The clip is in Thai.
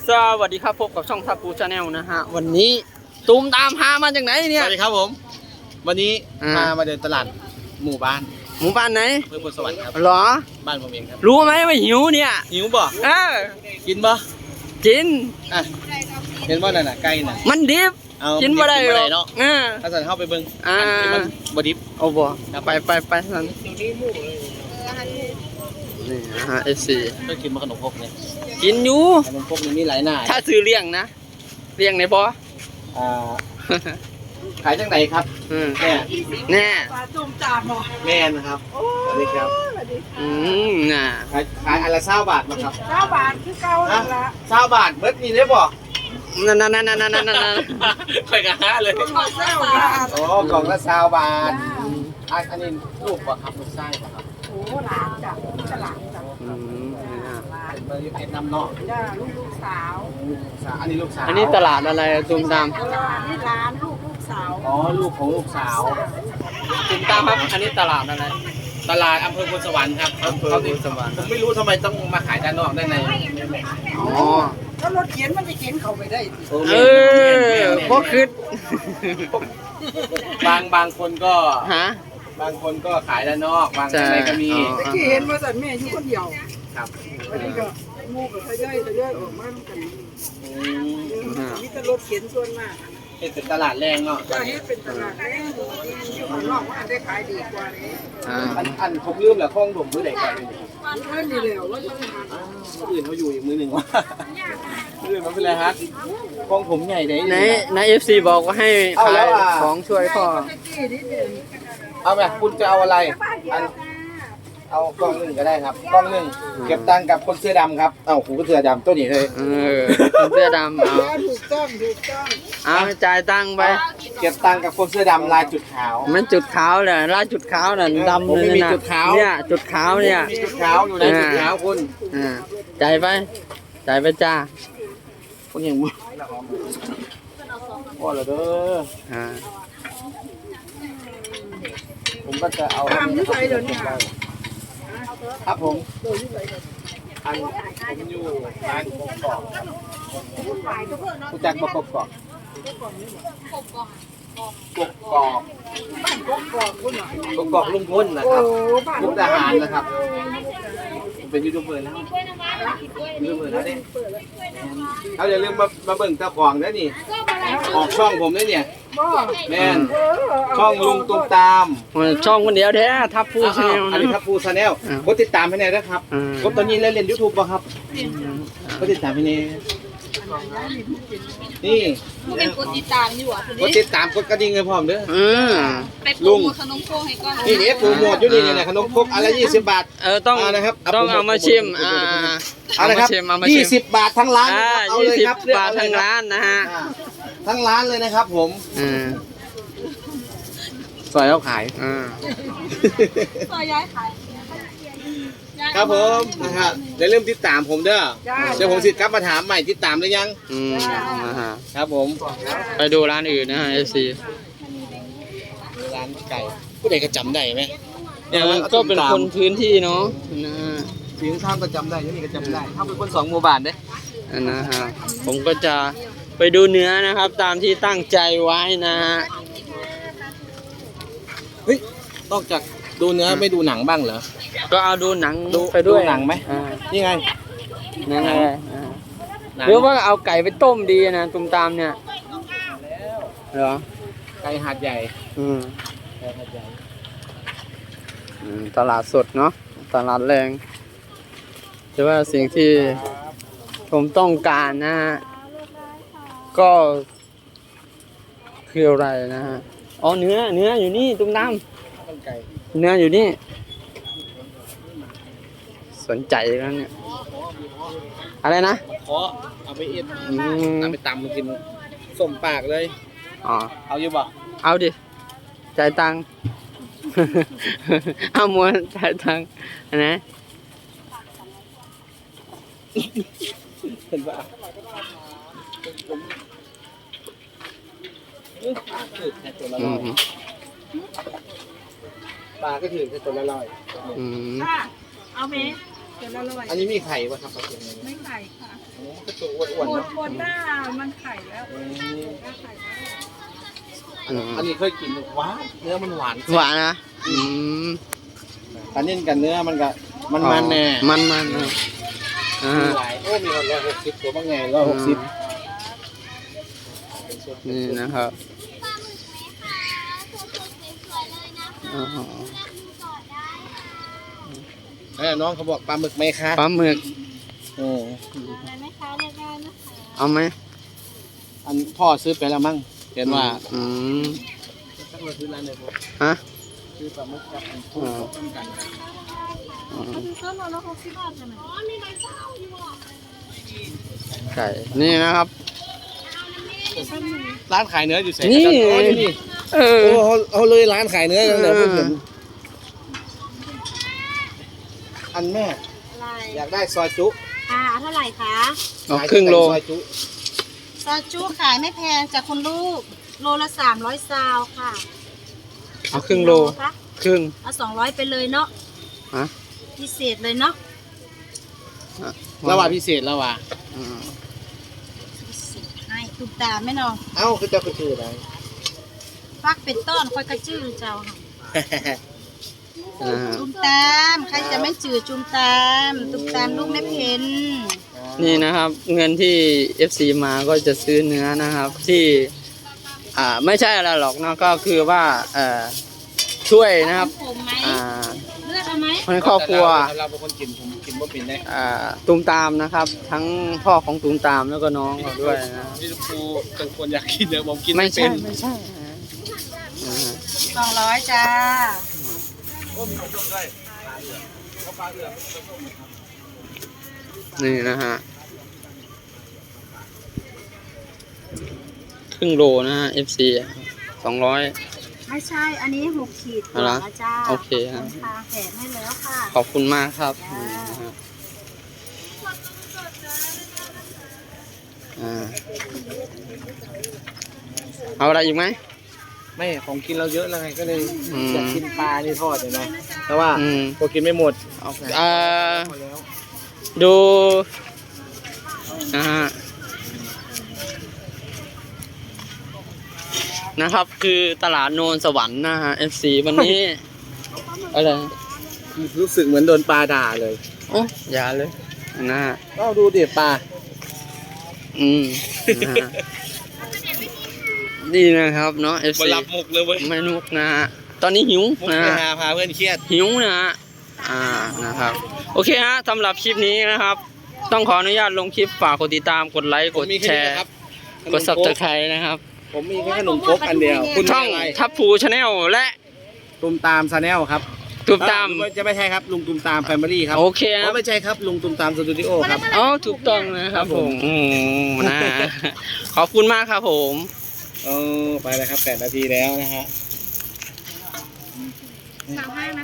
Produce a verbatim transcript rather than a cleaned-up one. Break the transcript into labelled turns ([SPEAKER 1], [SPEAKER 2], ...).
[SPEAKER 1] สวัสดีครับพบกับช่องทับปูชาแนลนะฮะวันนี้ตูมตามพามาจากไหนเนี่ย
[SPEAKER 2] สวัสดีครับผมวันนี้พามาเดินตลาดหมู่บ้าน
[SPEAKER 1] หมู่บ้านไหน
[SPEAKER 2] อำเภอพลสวรรค์ครับ
[SPEAKER 1] หรอ
[SPEAKER 2] บ้านผมเองครับ
[SPEAKER 1] รู้ไหมว่าหิวเนี่ย
[SPEAKER 2] หิวบ่
[SPEAKER 1] เออ
[SPEAKER 2] กินบ่
[SPEAKER 1] กิน
[SPEAKER 2] อ่ะเห็นว่านั่นน่ะไก่น่ะ
[SPEAKER 1] มันดิบกินบ่ได้หรอก
[SPEAKER 2] เนาะ
[SPEAKER 1] เออ
[SPEAKER 2] ถ้าสั่นเข้าไปเบิ่ง
[SPEAKER 1] อ่า
[SPEAKER 2] มันบ่ดิบ
[SPEAKER 1] เอาบ่ไปไปไปสั่นนี่นะฮะเอฟซี
[SPEAKER 2] ก็กินมาขนมพกเนี่ย
[SPEAKER 1] กินอยู่
[SPEAKER 2] ขนมพกนี่มีหลายหน้า
[SPEAKER 1] ถ้าซื้อเลี้ยงนะเลี้ยงในบ่
[SPEAKER 2] อ่าขายจังไหนครับแม่
[SPEAKER 1] แน่
[SPEAKER 3] ปลาจุ่มจามเหรอ
[SPEAKER 2] แม่นะครับสวัสดีครับ
[SPEAKER 1] อืมน่ะ
[SPEAKER 2] ขายขายอันละเศร้าบาทมาครับ
[SPEAKER 3] เก้าบาทคือเก้าละ
[SPEAKER 2] เศร้าบาทเบิดนี่ได้บ่
[SPEAKER 1] นั่นนั่นนั่นนั่นนั่นนั่น
[SPEAKER 2] ไปกันฮะเลย
[SPEAKER 3] เก้าบาท
[SPEAKER 2] โอ้กล่องละเศร้าบาทอันนี้ลูกป่ะครับลูกไส้ป่ะครับ
[SPEAKER 3] โอ้หลานจ้ะนี่ก็หลานจ้ะ
[SPEAKER 1] อืม
[SPEAKER 2] เป็นเบอร์เพชรน้ำเนาะ
[SPEAKER 3] จ้าลูกลูกสาว
[SPEAKER 2] ลูกสาวอันนี้ลูกสาว
[SPEAKER 1] อันนี้ตลาดอะไรตุ่มตาม
[SPEAKER 3] ตลาดนี่ร้านลูกลูกสาว
[SPEAKER 2] อ๋อลูกของลูกสาว
[SPEAKER 1] ตุ่มตามครับอันนี้ตลาดอะไร
[SPEAKER 2] ตลาดอำเภอพลสวรรค์ครับ
[SPEAKER 1] อำเภอพลสวรรค์
[SPEAKER 2] ผมไม่รู้ทำไมต้องมาขายด้านนอกด้านใน
[SPEAKER 1] อ๋อ
[SPEAKER 3] แล้วรถเข็นมันจะเข็นเข้าไปได้
[SPEAKER 1] เออพวกคืด
[SPEAKER 2] บางบางคนก็
[SPEAKER 1] ฮะ
[SPEAKER 2] บางคนก็ขายด้านนอกบางอะไรก็มี
[SPEAKER 3] ตะกี้เห็นมาสั่นแม่อยู่คนเดียว
[SPEAKER 2] ครับ
[SPEAKER 3] วันนี้ก็งูกับทะเลทะเลออกมากันมีแต่รถเข็นส่วนมาก
[SPEAKER 2] เป็นตลาดแรงเนาะ
[SPEAKER 3] จะให้เป็นตลาดแรงอยู่ข้างนอกว่าได้ขายดีกว่านี้
[SPEAKER 2] อันอันผมลืมแหละข้องผมมือไหนกัน
[SPEAKER 3] เพื่อนดีแล้วว่าจะ
[SPEAKER 2] มาอื่นเขาอยู่อีกมือหนึ่งวะมืออื่นมันเป็นไรฮะข้องผมใหญ่ไหน
[SPEAKER 1] ไหนไหนเอฟซีบอกว่าให้ขายของช่วยพ่อ
[SPEAKER 2] เอาแบบคุณจะเอาอะไรเอากล้องหนึ่งก็ได้ครับกล้องหนึ่งเก็บตังค์กับคนเสื้อดำครับเอ้าผมก็เสื้อดำตัวนี้เลย
[SPEAKER 1] เออคนเสื้อดำเอา
[SPEAKER 3] ถูกต้องถูกต้อง
[SPEAKER 1] เอาจ่ายตังค์ไป
[SPEAKER 2] เก็บตังค์กับคนเสื้อดำลายจุดขาว
[SPEAKER 1] มันจุดขาวเลยลายจุดขาวน่ะดำเลยนะเนี่ยจุดขาวเนี่ย
[SPEAKER 2] จุดขาวอยู่ในจุดขาวคุณ
[SPEAKER 1] อ่าจ่ายไปจ่ายไปจ้า
[SPEAKER 2] คุณยังมึงว่าเหรอเด้ออ่าผมก็จะเอา
[SPEAKER 3] ทำที่ใส่เดี๋ยวนี้
[SPEAKER 2] ครับผมอันผมอยู่ร้านกบกอกผู้จัดกบกอกกบกอก
[SPEAKER 3] บ้านกบกอกคุณเหรอก
[SPEAKER 2] บกอกลุงพลนะครับมุกดาหารนะครับผมเป็นยูทูบเบอร์แล้วยูทูบเบอร์แล้วเนี่ยเขาอย่าลืมมามาเบิ่งเจ้าของด้วยนี่ออกช่องผมด้วยเนี่ยแม่นช่องลุงตุ้มตาม
[SPEAKER 1] ช่องคนเดียวแท้ทับพูชาแนล
[SPEAKER 2] อันนี้ทับพูชาแนลกดติดตามให้แน่นะครับกดตอนนี้เล่นเล่นยูทูบป่ะครับกดติดตามให้แน่นี่
[SPEAKER 4] เป็นกดติดตามอยู่อ่ะ
[SPEAKER 2] กดติดตามกดกระดิ่งให้พร้อมเด้อ
[SPEAKER 4] ไปโปรโมทขนมโคกให้ก่อน
[SPEAKER 2] นี่เนี่ยโปรโมทอยู่นี่เนี่ยขนมครกอะไรยี่สิบบาท
[SPEAKER 1] เออต้อง
[SPEAKER 2] นะครับ
[SPEAKER 1] ต้องเอามาชิมอ่า
[SPEAKER 2] เอาละครับยี่สิบบาททั้งร้าน
[SPEAKER 1] เอาเลยครับบาททั้งร้านนะฮะ
[SPEAKER 2] ทั้งร้านเลยนะครับผม
[SPEAKER 1] ซอยเขาขาย
[SPEAKER 4] ซอยย้ายขาย
[SPEAKER 2] ครับผมนะครับเดี๋ยวเริ่มติดตามผมเด้อเดี๋ยวผมสิกลับมาถามใหม่ติดตามหรือยัง
[SPEAKER 1] อืม
[SPEAKER 2] ครับผม
[SPEAKER 1] ไปดูร้านอื่นนะฮะเอฟซี
[SPEAKER 2] ร้านไก่ผู้ใดก็จำได้ไหม
[SPEAKER 1] เนี่ยมันก็เป็นคนพื้นที่เนาะนะ
[SPEAKER 2] ถึงท่ามก็จำได้ยังนี่ก็จำได้ถ้าเป็นคนสองหมู่บ้านเด้
[SPEAKER 1] นะฮะผมก็จะไปดูเนื้อนะครับตามที่ตั้งใจไว้นะฮะ
[SPEAKER 2] เฮ้ยนอกจากดูเนื้อไม่ดูหนังบ้างเหรอ
[SPEAKER 1] ก็เอาดูหนัง
[SPEAKER 2] ไปด้วยหนังไหมนี่ไง
[SPEAKER 1] หนังอะไรหรือว่าเอาไก่ไปต้มดีนะตุ้มตามเนี่ยเหรอ
[SPEAKER 2] ไก่หาดใหญ่
[SPEAKER 1] อืม
[SPEAKER 2] ไก่หาดใหญ่
[SPEAKER 1] ตลาดสดเนาะตลาดแรงแต่ว่าสิ่งที่ผมต้องการนะฮะก็คืออะไรนะฮะอ๋อเนื้อเนื้ออยู่นี่ตุ้มตามเนื้ออยู่นี่สนใจแล้วเนี่ยอะไรนะ
[SPEAKER 2] ขอเอาไปเอ็ดเอาไปตำมากินส้มปากเลย
[SPEAKER 1] อ๋อ
[SPEAKER 2] เอาอยู่บ่
[SPEAKER 1] เอาดิจ่ายตังค์เอาม้วนจ่ายตังค์นะ
[SPEAKER 2] เห็นป่ะปลาก็ถือแค่ตัวละร้อย
[SPEAKER 4] เอาไหม
[SPEAKER 3] ตัวละร้อย
[SPEAKER 2] อันนี้มีไข่ป่ะครับปลาเค็ม
[SPEAKER 3] ไม่ไข่ค่ะ
[SPEAKER 2] โอ้ก็ตัวอ้วนๆ
[SPEAKER 3] โค
[SPEAKER 2] เนาะ
[SPEAKER 3] โคต้ามันไข่แล้ว
[SPEAKER 2] อืม
[SPEAKER 3] ก็ไข่แล้ว
[SPEAKER 1] อืม
[SPEAKER 2] อันนี้เคยกินหวานเนื้อมันหวาน
[SPEAKER 1] หวานนะอืม
[SPEAKER 2] อันนี้กับเนื้อมันก็มันมันแน่
[SPEAKER 1] มันมันนะอ่า
[SPEAKER 2] มีหลายโอ้มีคนร้อยหกสิบตัวบ้างไงร้อยหกสิบ
[SPEAKER 1] นี่นะครับอ๋อ
[SPEAKER 2] เออน้องเขาบอกปลาหมึกไหมคะ
[SPEAKER 1] ปลาหมึก
[SPEAKER 2] เออ
[SPEAKER 4] อะไรไหมคะเลือกได้นะคะ
[SPEAKER 1] เอาไหม
[SPEAKER 2] อันพ่อซื้อไปแล้วมั้งเห็นว่า
[SPEAKER 1] อืม
[SPEAKER 2] สักเราซื้อร้านไหนผม
[SPEAKER 1] ฮะ
[SPEAKER 2] ซื้อปลาหมึกกับอันกุ้งต้มกัน
[SPEAKER 1] อืม
[SPEAKER 4] คือต้นละหกสิบบาทใช่ไหมอ๋อมีใบเศร้าอยู่อ่ะ
[SPEAKER 1] ไก่นี่นะครับ
[SPEAKER 2] ร้านขายเนื้ออยู่ไหน
[SPEAKER 1] นี่
[SPEAKER 2] อ๋ออยู่นี่
[SPEAKER 1] เออ
[SPEAKER 2] โอ้เขาเขาเลยร้านขายเนื้อกันเลย
[SPEAKER 1] เออ
[SPEAKER 2] พูดถึงอันแม่
[SPEAKER 4] อะไร
[SPEAKER 2] อยากได้ซอยจุ
[SPEAKER 4] อ่าเท่าไหร่คะ
[SPEAKER 1] เอาครึ่งโล
[SPEAKER 2] ซอยจุ
[SPEAKER 4] ซอสจูขายไม่แพงจากคุณลูก โลละสามร้อยซาวค่ะ
[SPEAKER 1] เอาครึ่งโล
[SPEAKER 4] คะ
[SPEAKER 1] ครึ่ง
[SPEAKER 4] เอาสองร้อยไปเลยเนาะ
[SPEAKER 1] ฮะ
[SPEAKER 4] พิเศษเลยเนาะ
[SPEAKER 2] แล้วว่าพิเศษแล้วว่า
[SPEAKER 1] อืม
[SPEAKER 4] พิเศษให้ตุกตามแม่น้อง
[SPEAKER 2] เอ้าคือเจ้าคือชื่ออะไร
[SPEAKER 4] ฟักเป็นต้นคอยกระจื้อเจ้าค่ะ
[SPEAKER 1] อ่า
[SPEAKER 4] จุมตามใครจะไม่จืดจุมตามตุกตามลูกไม่เพ็น
[SPEAKER 1] นี่นะครับ เงินที่ เอฟ ซี มาก็จะซื้อเนื้อนะครับ ที่ อ่าไม่ใช่อะไรหรอกเนอะก็คือว่าเอ่อช่วยนะครับ
[SPEAKER 4] ผมไหม
[SPEAKER 1] อ่า
[SPEAKER 4] เลือดเอาไหม
[SPEAKER 1] คนในครอบครัว
[SPEAKER 2] แต่เราเป็นคนกินผมกินบ่เป็นได้
[SPEAKER 1] อ่าตูมตามนะครับ ทั้งพ่อของตูมตามแล้วก็น้องเขาด้วยนะ
[SPEAKER 2] พี่ครูเป็นคนอยากกินเนื้อผมกิน
[SPEAKER 1] ไม่
[SPEAKER 2] ไม่เป็
[SPEAKER 1] ใช่
[SPEAKER 2] น
[SPEAKER 1] ไม่ใช่อ่า
[SPEAKER 4] สองร้อยจ้า
[SPEAKER 1] นี่นะฮะครึ่งโลนะฮะ เอฟ ซี สองร้อย
[SPEAKER 4] ไม่ใช่ อันนี้หกขีด
[SPEAKER 1] เอาละ
[SPEAKER 4] แล้วจ้า
[SPEAKER 1] โอเค
[SPEAKER 4] ข
[SPEAKER 1] ฮะ
[SPEAKER 4] อบคุณค่ะแถมให้แล้วค่ะ
[SPEAKER 1] ขอบคุณมากครับนี่นะฮะอ่าเอาอะไรอีกไหม
[SPEAKER 2] ไม่ของกินเราเยอะแล้วไงก็เลย
[SPEAKER 1] อืม
[SPEAKER 2] อยากกินปลานี่ทอดเลยนะแต่ว่า
[SPEAKER 1] อืม
[SPEAKER 2] พอกินไม่หมด
[SPEAKER 1] อ่า
[SPEAKER 2] พอแล้ว
[SPEAKER 1] ดูนะฮะนะครับคือตลาดโนนสวรรค์นะฮะ เอฟ ซี วันนี้ อะไร
[SPEAKER 2] รู้สึกเหมือนโดนปลาด่าเลย
[SPEAKER 1] โอ้อย่าเลยนะฮะ
[SPEAKER 2] ก็ดูเด็ดปลา
[SPEAKER 1] อืมนะฮะนี่นะครับเนาะ เอฟ
[SPEAKER 2] มา
[SPEAKER 1] ซี
[SPEAKER 2] รับมุกเลยเว้ย
[SPEAKER 1] ไม่นุกนะฮะตอนนี้หิว
[SPEAKER 2] มุก
[SPEAKER 1] นะ
[SPEAKER 2] ไป
[SPEAKER 1] ฮะ
[SPEAKER 2] หาพาเพื่อนเครียด
[SPEAKER 1] หิวนะฮะอ่านะครับโอเคฮะสำหรับคลิปนี้นะครับ ต้องขออนุญาตลงคลิปฝากกดติดตามกดไลค์กด
[SPEAKER 2] ผมมี
[SPEAKER 1] แช
[SPEAKER 2] ค่นี้
[SPEAKER 1] ร์
[SPEAKER 2] ครับ
[SPEAKER 1] กดซับสไครต์นะครับ
[SPEAKER 2] ผมมีแค่ขนมครกอันเดียวคุณ
[SPEAKER 1] ช่อง
[SPEAKER 2] มีอะไร
[SPEAKER 1] ทับพูชาแนลและ
[SPEAKER 2] ตุมตามชาแนลครับ
[SPEAKER 1] ตูมตาม
[SPEAKER 2] เอ้จะไม่ใช่ครับลุงตุมตามแฟมิลี่ครับ
[SPEAKER 1] โอเคค
[SPEAKER 2] อ๋
[SPEAKER 1] รั
[SPEAKER 2] อบ ไม่ใช่ครับลุงตุมตามสตูดิโอครับ
[SPEAKER 1] อ๋อถูกต้องนะครับผมโอ้นะขอบคุณมากครับผม
[SPEAKER 2] เออไปแล้วครับแปดนาทีแล้วนะฮะ
[SPEAKER 4] สามห้านะ